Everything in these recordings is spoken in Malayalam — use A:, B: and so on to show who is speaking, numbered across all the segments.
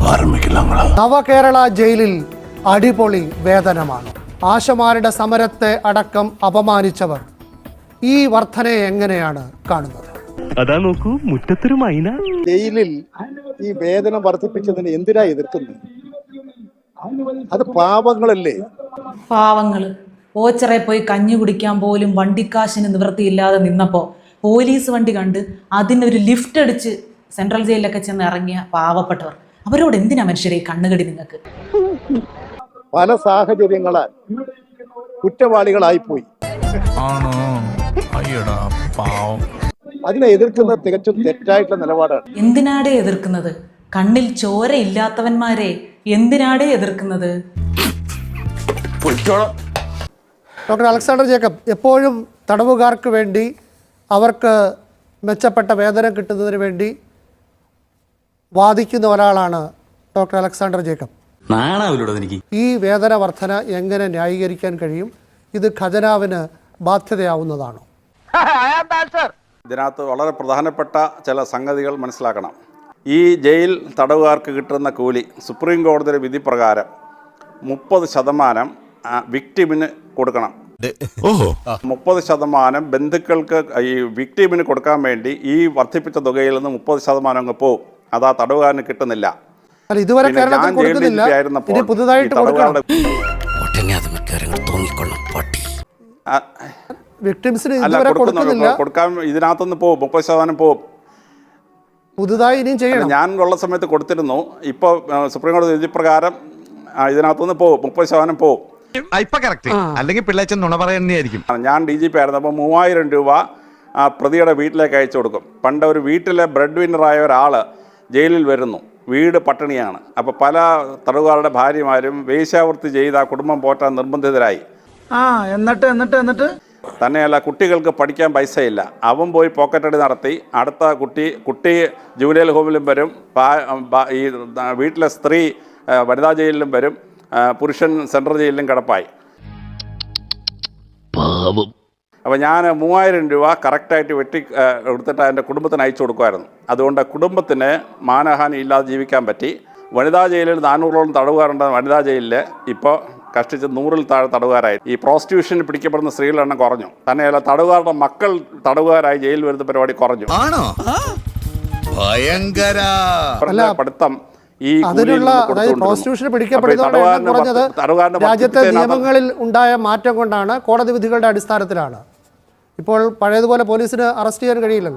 A: നവകേരള ജയിലിൽ അടിപൊളി വേതനമാണ്. ആശമാരുടെ സമരത്തെ അടക്കം അപമാനിച്ചവർ ഈ വർധനയെ എങ്ങനെയാണ് കാണുന്നത്?
B: അതാ നോക്കൂ, മുറ്റത്തൊരു മൈന.
C: ജയിലിൽ ഈ വേതനം വർദ്ധിപ്പിച്ചതിന് എന്തിനാ എതിർക്കുന്നത്? അത് പാവങ്ങളല്ലേ?
D: പാവങ്ങള് ഓച്ചറെ പോയി കഞ്ഞി കുടിക്കാൻ പോലും വണ്ടിക്കാശിന് നിവൃത്തിയില്ലാതെ നിന്നപ്പോ പോലീസ് വണ്ടി കണ്ട് അതിനൊരു ലിഫ്റ്റ് അടിച്ച് സെൻട്രൽ ജയിലിലൊക്കെ ചെന്ന് ഇറങ്ങിയ പാവപ്പെട്ടവർ, അവരോട് എന്തിനാ മനുഷ്യരെ കണ്ണുകടി നിങ്ങൾക്ക്?
C: പല സാഹചര്യങ്ങളാൽ കുറ്റവാളികളായിപ്പോയി. അതിനെ എതിർക്കുന്നത് തികച്ചും തെറ്റായിട്ടുള്ള നിലപാടാണ്.
D: എന്തിനാടേ എതിർക്കുന്നത്? കണ്ണിൽ ചോര ഇല്ലാത്തവന്മാരെ എന്തിനാടേ എതിർക്കുന്നത്?
A: ഡോക്ടർ അലക്സാണ്ടർ ജേക്കബ്, എപ്പോഴും തടവുകാർക്ക് വേണ്ടി അവർക്ക് മെച്ചപ്പെട്ട വേതനം കിട്ടുന്നതിന് വേണ്ടി വാദിക്കുന്ന ഒരാളാണ് ഡോക്ടർ അലക്സാണ്ടർ ജേക്കബ്. ഈ വേതന വർധന എങ്ങനെ ന്യായീകരിക്കാൻ കഴിയും? ഇത് ഖജനാവിന് ബാധ്യതയാവുന്നതാണോ?
E: ഇതിനകത്ത് വളരെ പ്രധാനപ്പെട്ട ചില സംഗതികൾ മനസ്സിലാക്കണം. ഈ ജയിൽ തടവുകാർക്ക് കിട്ടുന്ന കൂലി സുപ്രീം കോടതിയുടെ വിധി പ്രകാരം 30% വിക്ടിമിന് കൊടുക്കണം. 30% ബന്ധുക്കൾക്ക് ഈ വിക്ടിമിന് കൊടുക്കാൻ വേണ്ടി ഈ വർദ്ധിപ്പിച്ച തുകയിൽ നിന്ന് 30% അങ്ങ് പോവും. അത് ആ തടവുകാരന് കിട്ടുന്നില്ല.
A: ഇതുവരെ പുതുതായിട്ട് കൊടുക്കാൻ
E: ഇതിനകത്തുനിന്ന് പോവും, 30% പോവും.
A: പുതുതായി ഇനിയും ചെയ്യണം.
E: ഞാൻ ഉള്ള സമയത്ത് കൊടുത്തിരുന്നു. ഇപ്പോൾ സുപ്രീം കോടതി വിധി പ്രകാരം ഇതിനകത്തുനിന്ന് പോവും, 30% പോവും.
F: അല്ലെങ്കിൽ പിള്ളേച്ചൻ നുണ പറയുന്നതായിരിക്കും.
E: ഞാൻ DGP ആയിരുന്നു. അപ്പോൾ 3000 രൂപ പ്രതിയുടെ വീട്ടിലേക്ക് അയച്ചു കൊടുക്കും. പണ്ട് ഒരു വീട്ടിലെ ബ്രെഡ് വിന്നറായ ഒരാൾ ജയിലിൽ വരുന്നു, വീട് പട്ടിണിയാണ്. അപ്പോൾ പല തടവുകാരുടെ ഭാര്യമാരും വേശ്യാവൃത്തി ചെയ്ത് ആ കുടുംബം പോറ്റാൻ നിർബന്ധിതരായി.
G: എന്നിട്ട്
E: തന്നെയല്ല, കുട്ടികൾക്ക് പഠിക്കാൻ പൈസയില്ല. അവൻ പോയി പോക്കറ്റടി നടത്തി. അടുത്ത കുട്ടി ജൂനിയർ ഹോമിലും വരും, ഈ വീട്ടിലെ സ്ത്രീ വനിതാ ജയിലിലും വരും, പുരുഷൻ സെൻട്രൽ ജയിലിലും കിടപ്പായി. അപ്പോൾ ഞാൻ 3000 രൂപ കറക്റ്റായിട്ട് വെട്ടി എടുത്തിട്ട് എൻ്റെ കുടുംബത്തിന് അയച്ചു കൊടുക്കുമായിരുന്നു. അതുകൊണ്ട് കുടുംബത്തിന് മാനഹാനി ഇല്ലാതെ ജീവിക്കാൻ പറ്റി. വനിതാ ജയിലിൽ 400ഓളം തടവുകാരുണ്ട്. വനിതാ ജയിലിൽ ഇപ്പോൾ കഷ്ടിച്ച് 100-ൽ താഴെ തടവുകാരായി. ഈ പ്രോസ്റ്റിറ്റ്യൂഷന് പിടിക്കപ്പെടുന്ന സ്ത്രീകളുടെ എണ്ണം കുറഞ്ഞു. തന്നെയല്ല, തടവുകാരുടെ മക്കൾ തടവുകാരായി ജയിലിൽ വരുന്ന പരിപാടി കുറഞ്ഞു. പഠിത്തം
A: രാജ്യത്തെ നിയമങ്ങളിൽ ഉണ്ടായ മാറ്റം കൊണ്ടാണ്, കോടതി വിധികളുടെ അടിസ്ഥാനത്തിലാണ്. ഇപ്പോൾ പഴയതുപോലെ പോലീസിന് അറസ്റ്റ് ചെയ്യാൻ കഴിയില്ലല്ലോ.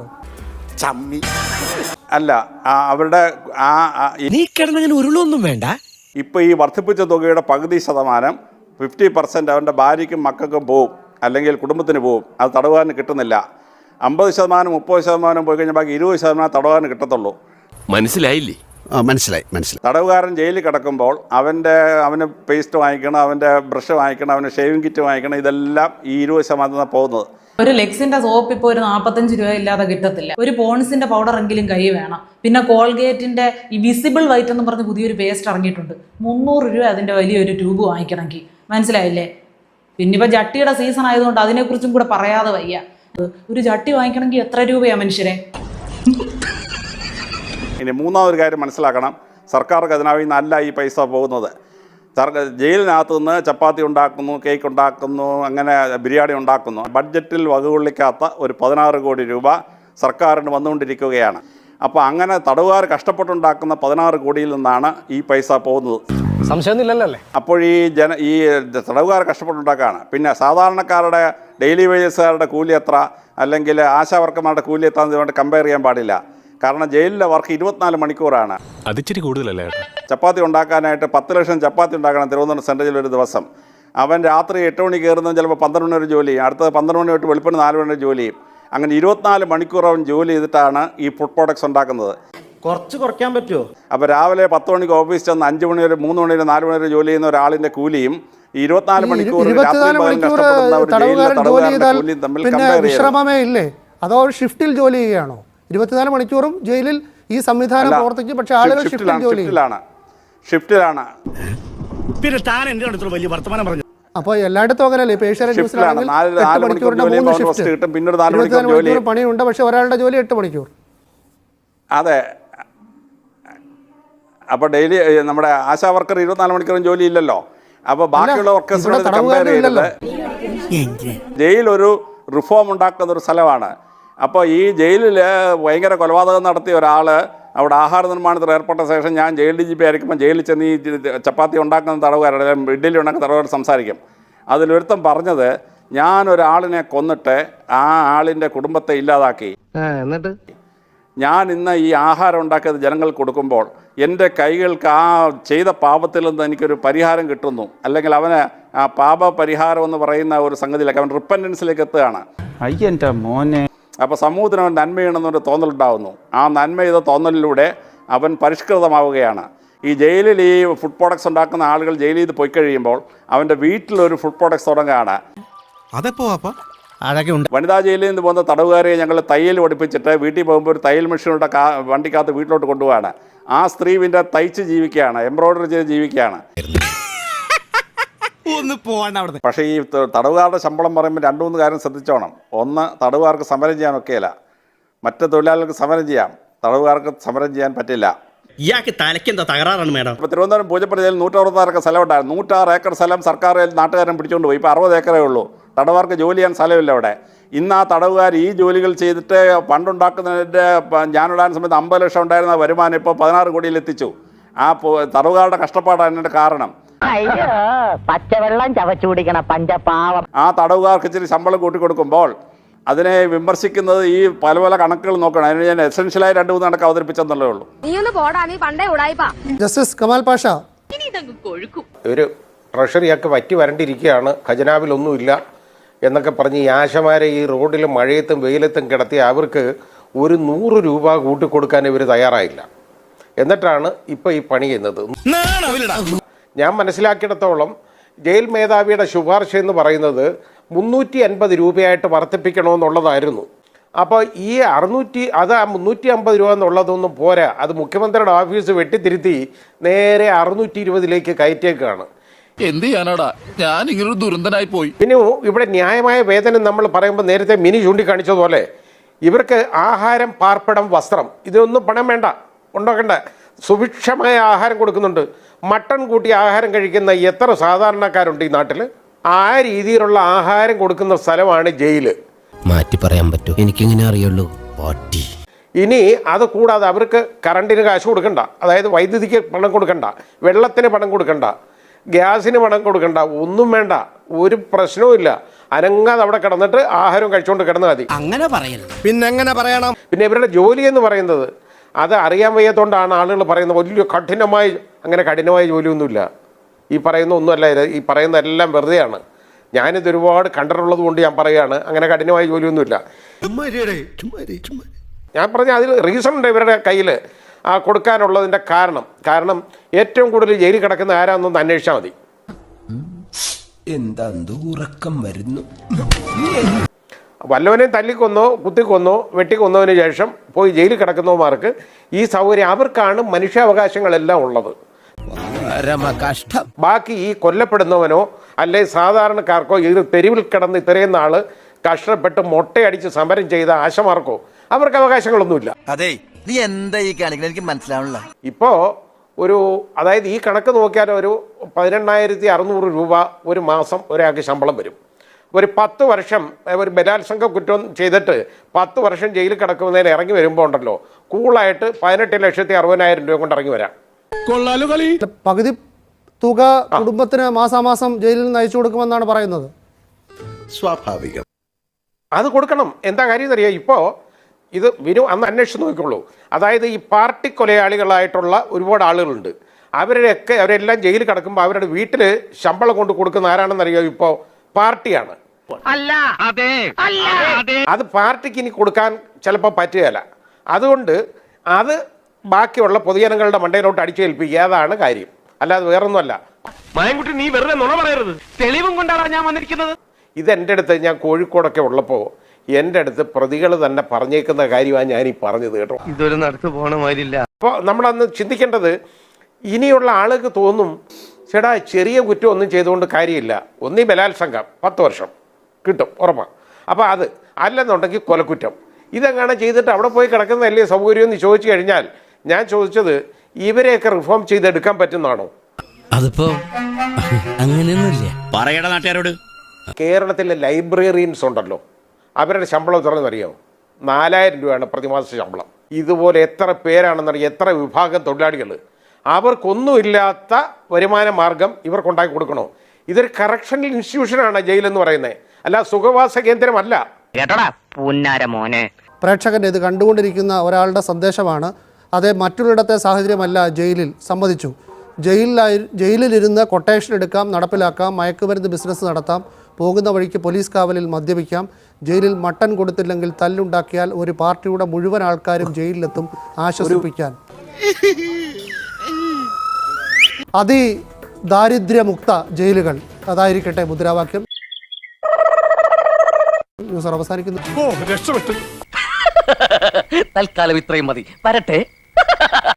E: അല്ല, അവരുടെ
B: ഉരുളൊന്നും വേണ്ട.
E: ഇപ്പൊ ഈ വർദ്ധിപ്പിച്ച തുകയുടെ പകുതി ശതമാനം 50% അവൻ്റെ ഭാര്യയ്ക്കും മക്കൾക്കും പോവും, അല്ലെങ്കിൽ കുടുംബത്തിന് പോവും. അത് തടവുകാരന് കിട്ടുന്നില്ല. 50%, 30% പോയി കഴിഞ്ഞാൽ ബാക്കി 20% തടവുകാരന് കിട്ടത്തുള്ളൂ.
B: മനസ്സിലായില്ലേ?
F: മനസ്സിലായി.
E: തടവുകാരൻ ജയിലിൽ കിടക്കുമ്പോൾ അവന് പേസ്റ്റ് വാങ്ങിക്കണം, അവൻ്റെ ബ്രഷ് വാങ്ങിക്കണം, അവന് ഷേവിംഗ് കിറ്റ് വാങ്ങിക്കണം. ഇതെല്ലാം ഈ 20% പോകുന്നത്.
D: ഒരു ലെക്സിന്റെ സോപ്പ് ഇപ്പോൾ ഒരു 45 രൂപ ഇല്ലാതെ കിട്ടത്തില്ല. ഒരു പോൺസിന്റെ പൗഡർ എങ്കിലും കൈ വേണം. പിന്നെ കോൾഗേറ്റിന്റെ ഈ വിസിബിൾ വൈറ്റ് എന്ന് പറഞ്ഞ് പുതിയൊരു പേസ്റ്റ് ഇറങ്ങിയിട്ടുണ്ട്. 300 രൂപ അതിന്റെ വലിയൊരു ട്യൂബ് വാങ്ങിക്കണമെങ്കിൽ. മനസ്സിലായില്ലേ? പിന്നെ ഇപ്പൊ ജട്ടിയുടെ സീസൺ ആയതുകൊണ്ട് അതിനെക്കുറിച്ചും കൂടെ പറയാതെ വയ്യ. ഒരു ജട്ടി വാങ്ങിക്കണമെങ്കിൽ എത്ര രൂപയാ മനുഷ്യരെ?
E: ഇനി മൂന്നാമതൊരു കാര്യം മനസ്സിലാക്കണം. സർക്കാർ ഖജനാവിൽ നിന്നല്ല ഈ പൈസ പോകുന്നത്. ജയിലിനകത്തു നിന്ന് ചപ്പാത്തി ഉണ്ടാക്കുന്നു, കേക്ക് ഉണ്ടാക്കുന്നു, അങ്ങനെ ബിരിയാണി ഉണ്ടാക്കുന്നു. ബഡ്ജറ്റിൽ വകകൊള്ളിക്കാത്ത ഒരു 16 കോടി രൂപ സർക്കാരിന് വന്നുകൊണ്ടിരിക്കുകയാണ്. അപ്പോൾ അങ്ങനെ തടവുകാർ കഷ്ടപ്പെട്ടുണ്ടാക്കുന്ന 16 കോടിയിൽ നിന്നാണ് ഈ പൈസ പോകുന്നത്.
G: സംശയമൊന്നുമില്ലല്ലേ?
E: അപ്പോൾ ഈ തടവുകാർ കഷ്ടപ്പെട്ടുണ്ടാക്കുകയാണ്. പിന്നെ സാധാരണക്കാരുടെ ഡെയിലി വേജസുകാരുടെ കൂലി എത്ര, അല്ലെങ്കിൽ ആശാവർക്കന്മാരുടെ കൂലി എത്ര എന്ന് കമ്പയർ ചെയ്യാൻ പാടില്ല. കാരണം ജയിലിലെ വർക്ക് 24 മണിക്കൂറാണ്.
B: അതിച്ചിരി കൂടുതലല്ലേ?
E: ചപ്പാത്തി ഉണ്ടാക്കാനായിട്ട് 10 ലക്ഷം ചപ്പാത്തി ഉണ്ടാക്കണം തിരുവനന്തപുരം സെൻട്രൽ ജയിലിൽ ഒരു ദിവസം. അവൻ രാത്രി 8 മണി കയറുന്നത് ചിലപ്പോൾ 12 മണി വരെ ജോലി ചെയ്യും. അടുത്തത് 12 മണി തൊട്ട് വെളുപ്പിന് 4 മണി വരെ ജോലി ചെയ്യും. അങ്ങനെ 24 മണിക്കൂർ അവൻ ജോലി ചെയ്തിട്ടാണ് ഈ ഫുഡ് പ്രോഡക്ട്സ് ഉണ്ടാക്കുന്നത്.
G: കുറച്ച് കുറയ്ക്കാൻ പറ്റുമോ?
E: അപ്പോൾ രാവിലെ 10 മണിക്ക് ഓഫീസ് ചെന്ന് 5 മണി വരെ 3 മണി വരെ 4 മണി വരെ ജോലി ചെയ്യുന്ന ഒരാളിൻ്റെ കൂലിയും 24 മണിക്കൂർ
A: വിശ്രമമേ ഇല്ലേ? അതോ ഷിഫ്റ്റിൽ ജോലി ചെയ്യുകയാണോ? 24 മണിക്കൂറും ജയിലിൽ ഈ സംവിധാനം പ്രവർത്തിക്കും. പക്ഷേ ആളുകൾ
E: ഷിഫ്റ്റിലാണ്.
B: പിന്നെ താൻ എന്റെ അടുത്ത് വലിയ വർത്തമാനം പറഞ്ഞു.
A: അപ്പോൾ എല്ലായിടത്തും അങ്ങനെയല്ലേ? ഇപ്പോൾ ഏഷ്യാനെറ്റ് ന്യൂസിലാണെങ്കിൽ 8 മണിക്കൂറിന്റെ 3 ഷിഫ്റ്റ്, 24 മണിക്കൂർ പണിയുണ്ട്. പക്ഷെ ഒരാളുടെ ജോലി 8 മണിക്കൂർ.
E: അതെ, അപ്പോൾ ഡെയിലി നമ്മുടെ ആശാ വർക്കർ 24 മണിക്കൂറും ജോലി ഇല്ലല്ലോ. അപ്പോൾ ബാക്കിയുള്ള വർക്കേഴ്സിനോട് കമ്പയർ ചെയ്തത് ജയിലൊരു റിഫോം ഉണ്ടാക്കുന്ന ഒരു സ്ഥലമാണ്. അപ്പോൾ ഈ ജയിലിൽ ഭയങ്കര കൊലപാതകം നടത്തിയ ഒരാൾ അവിടെ ആഹാര നിർമ്മാണത്തിൽ ഏർപ്പെട്ട ശേഷം ഞാൻ ജയിൽ DGP ആയിരിക്കുമ്പോൾ ജയിലിൽ ചെന്ന് ഈ ചപ്പാത്തി ഉണ്ടാക്കുന്ന തടവുകാരുടെ ഇഡ്ഡലി ഉണ്ടാക്കുന്ന തടവുകാർ സംസാരിക്കും. അതിലൊരുത്തം പറഞ്ഞത്, ഞാനൊരാളിനെ കൊന്നിട്ട് ആ ആളിൻ്റെ കുടുംബത്തെ ഇല്ലാതാക്കി,
G: എന്നിട്ട്
E: ഞാൻ ഇന്ന് ഈ ആഹാരം ഉണ്ടാക്കിയത് ജനങ്ങൾക്ക് കൊടുക്കുമ്പോൾ എൻ്റെ കൈകൾക്ക് ആ ചെയ്ത പാപത്തിൽ നിന്ന് എനിക്കൊരു പരിഹാരം കിട്ടുന്നു, അല്ലെങ്കിൽ അവന് ആ പാപ പരിഹാരം എന്ന് പറയുന്ന ഒരു സംഗതിയിലേക്ക് അവൻ റിപ്പൻറ്റൻസിലേക്ക് എത്തുകയാണ്.
G: അയ്യൻ്റെ മോനെ.
E: അപ്പോൾ സമൂഹത്തിന് അവൻ നന്മ ചെയ്യണമെന്നൊരു തോന്നലുണ്ടാകുന്നു. ആ നന്മ ചെയ്ത തോന്നലിലൂടെ അവൻ പരിഷ്കൃതമാവുകയാണ്. ഈ ജയിലിൽ ഈ ഫുഡ് പ്രോഡക്ട്സ് ഉണ്ടാക്കുന്ന ആളുകൾ ജയിലിൽ നിന്ന് പോയി കഴിയുമ്പോൾ അവൻ്റെ വീട്ടിലൊരു ഫുഡ് പ്രോഡക്ട്സ് തുടങ്ങുകയാണ്. വനിതാ ജയിലിൽ നിന്ന് പോകുന്ന തടവുകാരെ ഞങ്ങൾ തയ്യൽ പഠിപ്പിച്ചിട്ട് വീട്ടിൽ പോകുമ്പോൾ ഒരു തയ്യൽ മെഷീനോടെ വണ്ടിക്കകത്ത് വീട്ടിലോട്ട് കൊണ്ടുപോവാണ്. ആ സ്ത്രീ പിന്നെ തയ്ച്ച് ജീവിക്കുകയാണ്, എംബ്രോയിഡറി ചെയ്ത് ജീവിക്കുകയാണ്. പക്ഷേ ഈ തടവുകാരുടെ ശമ്പളം പറയുമ്പോൾ 2-3 കാര്യം ശ്രദ്ധിച്ചോണം. ഒന്ന്, തടവുകാർക്ക് സമരം ചെയ്യാനൊക്കെയില്ല. മറ്റ് തൊഴിലാളികൾക്ക് സമരം ചെയ്യാം, തടവുകാർക്ക് സമരം ചെയ്യാൻ പറ്റില്ല.
B: ഇയാൾക്ക് തലയ്ക്കെന്താ തകരാറാണ് മേഡം?
E: ഇപ്പോൾ തിരുവനന്തപുരം പൂജപ്പുര ജയിലിൽ 166 ഏക്കർ സ്ഥലം ഉണ്ടായിരുന്നു. 106 ഏക്കർ സ്ഥലം സർക്കാർ നാട്ടുകാരൻ പിടിച്ചുകൊണ്ട് പോയി. ഇപ്പോൾ 60 ഏക്കറേ ഉള്ളൂ. തടവുകാർക്ക് ജോലി ചെയ്യാൻ സ്ഥലമില്ല അവിടെ. ഇന്ന് ആ തടവുകാർ ഈ ജോലികൾ ചെയ്തിട്ട് പണ്ടുണ്ടാക്കുന്നതിൻ്റെ ഞാനിടാൻ സമയത്ത് 50 ലക്ഷം ഉണ്ടായിരുന്ന വരുമാനം ഇപ്പോൾ 16 കോടിയിലെത്തിച്ചു. ആ തടവുകാരുടെ കഷ്ടപ്പാടാണ് അതിൻ്റെ കാരണം.
H: പച്ചവെള്ളം ചവച്ചു കുടിക്കണ പഞ്ചപാവം.
E: ആ തടവുകാർക്ക് ഇച്ചിരി ശമ്പളം കൂട്ടിക്കൊടുക്കുമ്പോൾ അതിനെ വിമർശിക്കുന്നത് ഈ പല പല കണക്കുകൾ നോക്കണം. അതിന് ഞാൻ എസെൻഷ്യലായി 2-3 കണക്ക് അവതരിപ്പിച്ചെന്നുള്ളേ ഉള്ളൂ.
A: ജസ്റ്റിസ് കമാൽ പാഷ,
I: ഒരു ട്രഷറിയൊക്കെ വറ്റി വരണ്ടിരിക്കുകയാണ്, ഖജനാവിലൊന്നുമില്ല എന്നൊക്കെ പറഞ്ഞ് ഈ ആശമാരെ ഈ റോഡിൽ മഴയത്തും വെയിലത്തും കിടത്തി അവർക്ക് ഒരു 100 രൂപ കൂട്ടിക്കൊടുക്കാൻ ഇവർ തയ്യാറായില്ല. എന്നിട്ടാണ് ഇപ്പോൾ ഈ പണി ചെയ്യുന്നത്. ഞാൻ മനസ്സിലാക്കിയിടത്തോളം ജയിൽ മേധാവിയുടെ ശുപാർശ എന്ന് പറയുന്നത് 350 രൂപയായിട്ട് വർദ്ധിപ്പിക്കണമെന്നുള്ളതായിരുന്നു. അപ്പോൾ ഈ 350 രൂപ എന്നുള്ളതൊന്നും പോരാ. അത് മുഖ്യമന്ത്രിയുടെ ഓഫീസ് വെട്ടിത്തിരുത്തി നേരെ 620 കയറ്റിയേക്കാണ്.
F: എന്ത് ചെയ്യാനാടാ, ഞാൻ ഇങ്ങനൊരു ദുരന്തനായി പോയി.
I: പിന്നെ ഇവിടെ ന്യായമായ വേതനം നമ്മൾ പറയുമ്പോൾ നേരത്തെ മിനി ചൂണ്ടിക്കാണിച്ചതുപോലെ ഇവർക്ക് ആഹാരം, പാർപ്പിടം, വസ്ത്രം ഇതൊന്നും പണം വേണ്ട, ഉണ്ടാക്കണ്ട. സുഭിക്ഷമായ ആഹാരം കൊടുക്കുന്നുണ്ട്. മട്ടൺ കൂട്ടി ആഹാരം കഴിക്കുന്ന എത്ര സാധാരണക്കാരുണ്ട് ഈ നാട്ടിൽ? ആ രീതിയിലുള്ള ആഹാരം കൊടുക്കുന്ന സ്ഥലമാണ് ജയില്.
J: മാറ്റി പറയാൻ പറ്റൂ, എനിക്കിങ്ങനെ അറിയുള്ളൂ. പാട്ടി.
I: ഇനി അത് കൂടാതെ അവർക്ക് കറണ്ടിന് കാശ് കൊടുക്കണ്ട, അതായത് വൈദ്യുതിക്ക് പണം കൊടുക്കണ്ട, വെള്ളത്തിന് പണം കൊടുക്കണ്ട, ഗ്യാസിന് പണം കൊടുക്കണ്ട, ഒന്നും വേണ്ട, ഒരു പ്രശ്നവും. അനങ്ങാതെ അവിടെ കിടന്നിട്ട് ആഹാരം കഴിച്ചുകൊണ്ട് കിടന്നാൽ മതി.
J: അങ്ങനെ പറയരുത്. പിന്നെങ്ങനെ പറയണം?
I: പിന്നെ ഇവരുടെ ജോലി എന്ന് പറയുന്നത് അത് അറിയാൻ വയ്യാത്തതുകൊണ്ടാണ് ആളുകൾ പറയുന്നത് വലിയ കഠിനമായി. അങ്ങനെ കഠിനമായ ജോലിയൊന്നുമില്ല. ഈ പറയുന്ന ഒന്നുമല്ല, ഈ പറയുന്നതെല്ലാം വെറുതെയാണ്. ഞാനിത് ഒരുപാട് കണ്ടിട്ടുള്ളത് കൊണ്ട് ഞാൻ പറയുകയാണ്, അങ്ങനെ കഠിനമായ ജോലിയൊന്നുമില്ല. ഞാൻ പറഞ്ഞ അതിൽ റീസൺ ഉണ്ട് ഇവരുടെ കയ്യിൽ ആ കൊടുക്കാനുള്ളതിൻ്റെ കാരണം ഏറ്റവും കൂടുതൽ ജയിലിൽ കിടക്കുന്ന ആരാന്നൊന്ന് അന്വേഷിച്ചാൽ മതി.
J: എന്താ ഉറക്കം വരുന്നു?
I: വല്ലവനെയും തല്ലിക്കൊന്നോ കുത്തിക്കൊന്നോ വെട്ടിക്കൊന്നതിന് ശേഷം പോയി ജയിലിൽ കിടക്കുന്നവന്മാർക്ക് ഈ സൗകര്യം, അവർക്കാണ് മനുഷ്യാവകാശങ്ങളെല്ലാം ഉള്ളത്. ബാക്കി ഈ കൊല്ലപ്പെടുന്നവനോ അല്ലെ സാധാരണക്കാർക്കോ ഈ തെരുവിൽ കിടന്ന് ഇത്രയും നാള് കഷ്ടപ്പെട്ട് മൊട്ടയടിച്ച് സമരം ചെയ്ത ആശമാർക്കോ അവർക്ക് അവകാശങ്ങളൊന്നുമില്ല.
F: അതെ, നീ എന്താ ഈ കാണിക്കുന്നത്? എനിക്ക് മനസ്സിലാവണില്ല.
I: ഇപ്പോൾ അതായത് ഈ കണക്ക് നോക്കിയാൽ ഒരു 18,600 രൂപ ഒരു മാസം ഒരാൾക്ക് ശമ്പളം വരും. ഒരു 10 വർഷം ഒരു ബലാത്സംഗ കുറ്റം ചെയ്തിട്ട് 10 വർഷം ജയിലിൽ കിടക്കുന്നതിന് ഇറങ്ങി വരുമ്പോൾ ഉണ്ടല്ലോ, കൂളായിട്ട് 18,60,000 രൂപ കൊണ്ട് ഇറങ്ങി വരാം.
A: പകുതി തുക കുടുംബത്തിന് മാസാമാസം ജയിലിൽ നിന്ന് അയച്ചു കൊടുക്കുമെന്നാണ് പറയുന്നത്.
F: സ്വാഭാവികം.
I: അത് കൊടുക്കണം. എന്താ കാര്യം എന്നറിയാം? ഇപ്പോൾ ഇത് അന്ന് അന്വേഷിച്ച് നോക്കിക്കോളൂ. അതായത് ഈ പാർട്ടി കൊലയാളികളായിട്ടുള്ള ഒരുപാട് ആളുകളുണ്ട്. അവരെല്ലാം ജയിലിൽ കിടക്കുമ്പോൾ അവരുടെ വീട്ടിൽ ശമ്പളം കൊണ്ട് കൊടുക്കുന്ന ആരാണെന്നറിയോ? ഇപ്പോൾ പാർട്ടിയാണ്. അത് പാർട്ടിക്ക് ഇനി കൊടുക്കാൻ ചിലപ്പോൾ പറ്റുകയില്ല. അതുകൊണ്ട് അത് ബാക്കിയുള്ള പൊതുജനങ്ങളുടെ മണ്ടയിലോട്ട് അടിച്ചേൽപ്പിക്കുക. അതാണ് കാര്യം, അല്ലാതെ വേറൊന്നുമല്ല.
B: മായൻകുട്ടി, നീ വെറുതെ നുണ പറയരുത്. തെളിവും കൊണ്ടാണ് ഞാൻ വന്നിരിക്കുന്നത്.
I: ഇതെൻ്റെ അടുത്ത് ഞാൻ കോഴിക്കോടൊക്കെ ഉള്ളപ്പോൾ എൻ്റെ അടുത്ത് പ്രതികൾ തന്നെ പറഞ്ഞേക്കുന്ന കാര്യമാണ് ഞാൻ ഈ പറഞ്ഞത്, കേട്ടോ.
G: ഇതൊരു നടത്തു പോണ മാതിരില്ല.
I: അപ്പോൾ നമ്മളന്ന് ചിന്തിക്കേണ്ടത്, ഇനിയുള്ള ആളുകൾക്ക് തോന്നും, ചേട്ടാ ചെറിയ കുറ്റം ഒന്നും ചെയ്തുകൊണ്ട് കാര്യമില്ല. ഒന്നീ ബലാത്സംഗം 10 വർഷം കിട്ടും ഉറപ്പാണ്. അപ്പോൾ അത് അല്ലെന്നുണ്ടെങ്കിൽ കൊലക്കുറ്റം. ഇതെങ്ങനെ ചെയ്തിട്ട് അവിടെ പോയി കിടക്കുന്നതല്ലേ സൗകര്യം എന്ന് ചോദിച്ചു കഴിഞ്ഞാൽ, ഞാൻ ചോദിച്ചത് ഇവരെയൊക്കെ റിഫോം ചെയ്തെടുക്കാൻ പറ്റുന്നതാണോ?
J: അതിപ്പോ അങ്ങനെയൊന്നുമില്ല.
F: പറയട നാട്ടുകാരോട്.
I: കേരളത്തിലെ ലൈബ്രറിയൻസ് ഉണ്ടല്ലോ, അവരുടെ ശമ്പളം എത്രയെന്നറിയാമോ? 4000 രൂപയാണ് പ്രതിമാസ ശമ്പളം. ഇതുപോലെ എത്ര പേരാണെന്നറിയാം, എത്ര വിഭാഗം തൊഴിലാളികൾ. അവർക്കൊന്നുമില്ലാത്ത വരുമാന മാർഗം ഇവർക്കുണ്ടാക്കി കൊടുക്കണോ? ഇതൊരു കറക്ഷണൽ ഇൻസ്റ്റിറ്റ്യൂഷനാണ് ജയിലെന്ന് പറയുന്നത്, അല്ല സുഖവാസ കേന്ദ്രമല്ല.
H: കേട്ടോടാ പുന്നാര മോനെ.
A: പ്രേക്ഷകൻ ഇത് കണ്ടുകൊണ്ടിരിക്കുന്ന ഒരാളുടെ സന്ദേശമാണ്. അതേ മറ്റുള്ളിടത്തെ സാഹചര്യമല്ല ജയിലിൽ. സമ്മതിച്ചു, ജയിലിലിരുന്ന് കൊട്ടേഷൻ എടുക്കാം, നടപ്പിലാക്കാം, മയക്കുമരുന്ന് ബിസിനസ് നടത്താം, പോകുന്ന വഴിക്ക് പോലീസ് കാവലിൽ മദ്യപിക്കാം, ജയിലിൽ മട്ടൻ കൊടുത്തില്ലെങ്കിൽ തല്ലുണ്ടാക്കിയാൽ ഒരു പാർട്ടിയുടെ മുഴുവൻ ആൾക്കാരും ജയിലിലെത്തും ആശ്വസിപ്പിക്കാൻ. ദാരിദ്ര്യമുക്ത ജയിലുകൾ, അതായിരിക്കട്ടെ മുദ്രാവാക്യം. ന്യൂസ് അവസാനിക്കുന്നു.
F: തൽക്കാലം ഇത്രയും മതി. വരട്ടെ.